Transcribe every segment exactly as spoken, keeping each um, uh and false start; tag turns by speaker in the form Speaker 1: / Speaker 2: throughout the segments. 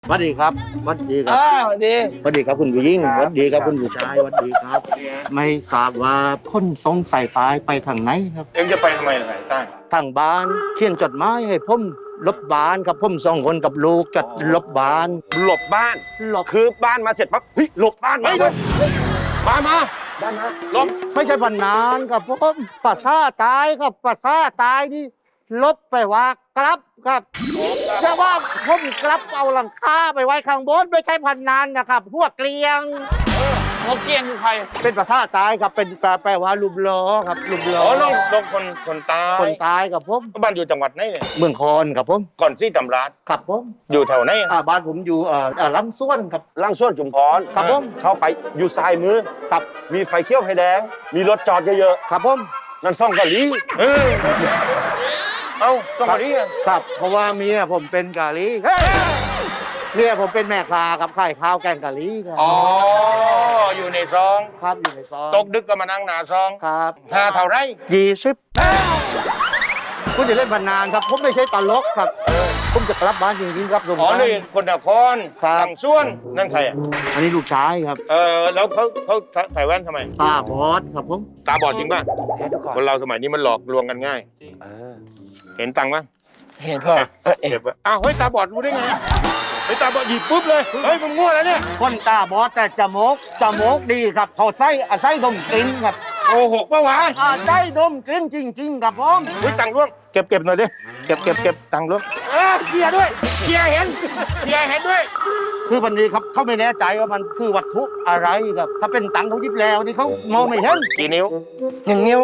Speaker 1: สวัสดีครับสวัสดีครับ
Speaker 2: อ้าวดี
Speaker 1: สวัสดีครับคุณผู้หญิงสวัสดีครับคุณผู้ชายสวัสดีครับ ไม่ทราบว่าคนสงสัยตายไปทางไหนครับ
Speaker 3: เอ็งจะไปทำไมสายใต้
Speaker 1: ทางบ้านเขียนจดหมายให้ผมลบบ้านครับผมสองคนกับลูกจัดลบบ้าน
Speaker 2: หลบบ้าน
Speaker 1: ลบ
Speaker 2: คือบ้านมาเสร็จปั๊บเฮ้ยหลบบ้านมา
Speaker 3: เฮ้ยเดี๋ยวมามา
Speaker 2: บ้านมา
Speaker 3: ลม
Speaker 1: ไม่ใช่พันนานครับผมภาษาตายครับภาษาตายนี่ลบไปว่ากลับครับแต่ว่าผมกลับเอาหลังคาไปไว้ข้างบนไม่ใช่พันนานนะครับพวกเกลียง
Speaker 2: หัวเกียงคือใคร
Speaker 1: เป็นภาษาตายครับเป็นแปลแปลว่าลุมล้อครับลุมล้อ
Speaker 3: อ๋อลงลงคนคนตาย
Speaker 1: คนตายกับผม
Speaker 3: บ้านอยู่จังหวัดไหนเนี่ย
Speaker 1: เมืองคอนครับผม
Speaker 3: ก่อนซี่ตำราด
Speaker 1: ครับผม
Speaker 3: อยู่แถวไหน
Speaker 1: อ่าบ้านผมอยู่เอ่ออ่าลำส้วนครับ
Speaker 2: ล่างส่วนจุมพร
Speaker 1: ครับผม
Speaker 2: เข้าไปอยู่ซ้ายมือ
Speaker 1: ครับ
Speaker 2: มีไฟเขียวไฟแดง มีรถจอดเยอะ
Speaker 1: ครับผม
Speaker 2: ๆนั่นซ่องกะหรี่
Speaker 3: เออเอ้าต้องมาที่อ่ะ
Speaker 1: ครับเพราะว่าเมียผมเป็นกะหรี่เฮ้ยเมียผมเป็นแม่ค้ากับขายข้าวแกงกะหรี่ครับ
Speaker 3: อ๋ออยู่ในซอง
Speaker 1: ครับอยู่ในซอย
Speaker 3: ตกดึกก็มานั่งหนาซอง
Speaker 1: ครับ
Speaker 3: หาเท่าไร
Speaker 1: ยี่สิบคุณจะเล่นพนันครับผมไม่ใช่ตลกครับผมจะกลับบ้านจริงๆครับลุง
Speaker 3: อ๋อ
Speaker 1: ครับ
Speaker 3: นี่คนนคร
Speaker 1: ครับ
Speaker 3: ตังส่วนนั่นใครอ่ะ
Speaker 1: อันนี้ลูกชายครับ
Speaker 3: เออแล้วเขาเขาใส่แว่นทำไม
Speaker 1: ตาบอดครับผม
Speaker 3: ตาบอดจริงป่ะ
Speaker 2: เทสดูก่อน
Speaker 3: คนเราสมัยนี้มันหลอกลวงกันง่าย
Speaker 2: เออ
Speaker 3: เห็นตังค์ป่ะ
Speaker 2: เห็นพ่อเออเอ็
Speaker 3: เก็บไว้อ้าวเฮ้ยตาบอดรู้ได้ไงอะเฮ้ยตาบอดหยิบปุ๊บเลยเฮ้ยมึงมั่วแล้วเนี่ย
Speaker 1: คนตาบอดแต่จมูกจมูกดีครับเขาไส้อาไส้ดมกลิ่นครับ
Speaker 3: โกหกปะวะ
Speaker 1: อาไส้ดมกลิ่นจริงๆครับผม
Speaker 3: เฮ้ยตังค์ร่วงเก็บเก็บหน่อยดิเก็บเก็บเก็บตังค์ร่วงเออเคลียร์ด้วยเคลียร์เห็นเคลียร์เห็นด้วย
Speaker 1: คือวันนี้ครับเขาไม่แน่ใจว่ามันคือวัตถุอะไรครับถ้าเป็นตังค์เขายิบแล้วนี่เขามองไม่เห็น
Speaker 3: กี่นิ้ว
Speaker 2: หนึ่งนิ้ว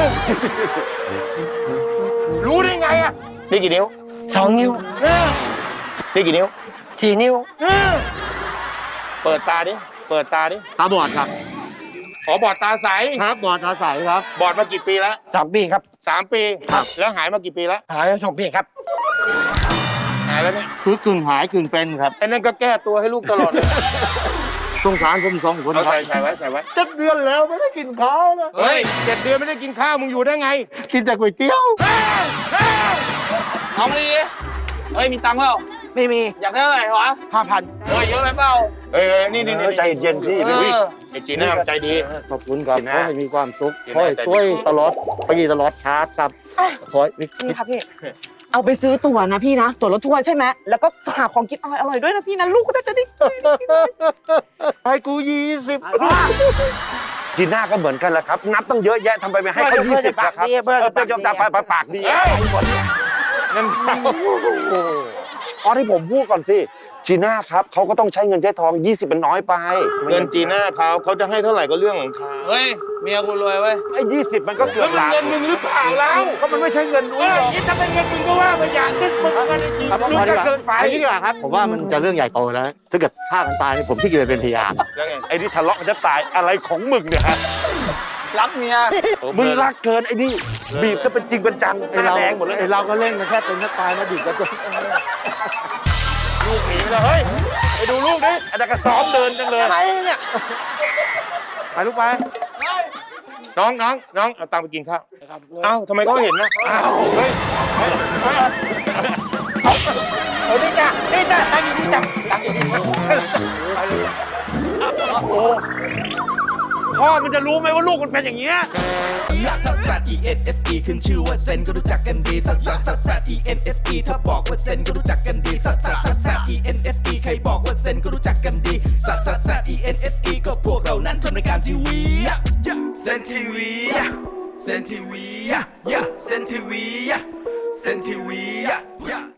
Speaker 3: รู้ได้ไงอ่ะนี่กี่นิ้ว
Speaker 2: สองนิ้ว
Speaker 3: เออนี่กี่นิ้ว
Speaker 2: สี่นิ้ว
Speaker 3: เออเปิดตาดิเปิดตาดิ
Speaker 1: ตาบอดครับ
Speaker 3: อ๋อบอดตาใส
Speaker 1: ครับบอดตาใสครับ
Speaker 3: บอดมากี่ปีแล้ว
Speaker 2: สามปีครับ
Speaker 3: สามปี
Speaker 1: ครับ
Speaker 3: แล้วหายมากี่ปีแล้ว
Speaker 2: หายสองปีครับ
Speaker 3: หายแล้วเนี่ย
Speaker 1: คือกึ่งหายกึ่งเป็นครับ
Speaker 3: ไอ้นั่นก็แก้ตัวให้ลูกตลอดเลย
Speaker 1: สงสารผมสองคน
Speaker 3: เอา
Speaker 1: ครั
Speaker 3: ใส่
Speaker 1: บ
Speaker 3: ใส่ไว้ใส่ไว้
Speaker 1: เจ็ดเดือนแล้วไม่ได้กินข้าวนะ
Speaker 3: เฮ้ยเจ็ดเดือนไม่ได้กินข้าวมึงอยู่ได้ไง
Speaker 1: กินแต่ก๋วยเตี๋ยว
Speaker 4: น้องลีเฮ้ย มีตังค์เปล่า
Speaker 2: ไม่มี
Speaker 4: อยากได้เท่าไหร่วะ
Speaker 1: ห้าพัน
Speaker 4: เฮ้ย เยอะไปเปล่า
Speaker 3: เอ้ยเอ้ยนี่นี่นี่
Speaker 2: ใจเย็นพี่
Speaker 4: เออ
Speaker 3: อุ้ยไอ้จีน่ามันใจดี
Speaker 1: ขอบคุณครับ
Speaker 3: กินนะ
Speaker 1: ขอให้มีความสุข
Speaker 3: กินนะ
Speaker 1: ขอให้ช่วยตลอดปีตลอดชาร์จครับขอให้มี
Speaker 5: นี่ค่ะพี่ เอาไปซื้อตั๋วนะพี่นะ ตั๋วรถทัวร์ใช่ไหม แล้วก็หาของกินอร่อยอร่อยๆด้วยนะพี่นะ ลูกก็น่าจะได้
Speaker 1: ให้กูยี่สิบ
Speaker 2: จีน่าก็เหมือนกันแหละครับ นับต้องเยอะแยะทำไมไม่ให้เขายี่สิบนะครับ
Speaker 1: เพื่อน
Speaker 2: เออเป็นจอมตาปากปากดี
Speaker 3: เอ้ยนั่นเขา
Speaker 2: อ๋อที่ผมพูดก่อนสิจีน่าครับเขาก็ต้องใช้เงินใช้ทองยี่สิบเป็นน้อยไป
Speaker 3: เงินจีน่าเขาเขาจะให้เท่าไหร่ก็เรื่องของเขา
Speaker 4: เฮ้ย เมียกูรวยเว้ย
Speaker 2: ไอ้ยี่สิบมันก็เกื
Speaker 3: แล้
Speaker 2: อ
Speaker 3: ว
Speaker 2: บ
Speaker 3: มัน
Speaker 2: ล้าน
Speaker 3: เงินมึงหรือเปล่าเรา
Speaker 2: ก็มันไม่ใช่เงิน
Speaker 3: เอ
Speaker 2: ด้วย
Speaker 3: อคิดถ้าเป็นเงินมึงก็ว่าไปอย่างนึงมึงเงินไอ้จี
Speaker 1: ครับ
Speaker 3: มึงก็เกินไป
Speaker 1: อันนี้ดีกว่าครับ ผมว่ามันจะเรื่องใหญ่โตแล้ว ถ้าเกิดฆ่ากันตายนี่ผมที่จะไปเป็นพยาน
Speaker 3: แล้วไง
Speaker 2: ไอ้นี่ทะเลาะกันจะตายอะไรของมึงเนี่ยฮะ
Speaker 4: รักเมีย
Speaker 2: มึงรักเกินไอ้นี่บีบก็เป็นจริงเป็นจังห
Speaker 1: ไอ้
Speaker 2: น้า
Speaker 1: เรา
Speaker 2: แดงหมดเลย
Speaker 1: ไอ้เราก็เล่นกันแค่เป็นแค่ตายมาดิบกันจน
Speaker 3: ลูกหนีไปแล้วเฮ้ยไปดูลูกดิ
Speaker 2: อันนั้นก็ซ้อมเดินจังเลย
Speaker 5: อะไรเนี่ย
Speaker 1: ไปลูกไป
Speaker 3: น้องน้องน้องเอาตังค์ไปกินข้าวเอ้าทำไมเขาเห็นนะอ้าวเฮ้ยเฮ้ยเฮ้ย
Speaker 2: โอ้นี่จ้ะนี่จ้ะตั้งอยู่นี่จ้ะตั้งอยู่นี่จ้ะโอ้พ่อมันจะรู้ไหมว่าลูกมันเป็นอย่างเงี้ย
Speaker 6: ลักซัสซัส E N S E ขึ้นชื่อว่าเซนก็รู้จักกันดีซัสซัสซัสซัส E N S E ถ้าบอกว่าเซนก็รู้จักกันดีซัสซัสซัสซัส E N S E ใครบอกว่าเซนก็รู้จักกันดีซัสซัสซัส E N S E ก็พวกเรานั้นทำรายการทีวีเซนทีวีเซนทีวีเซนทีวีเซนทีวี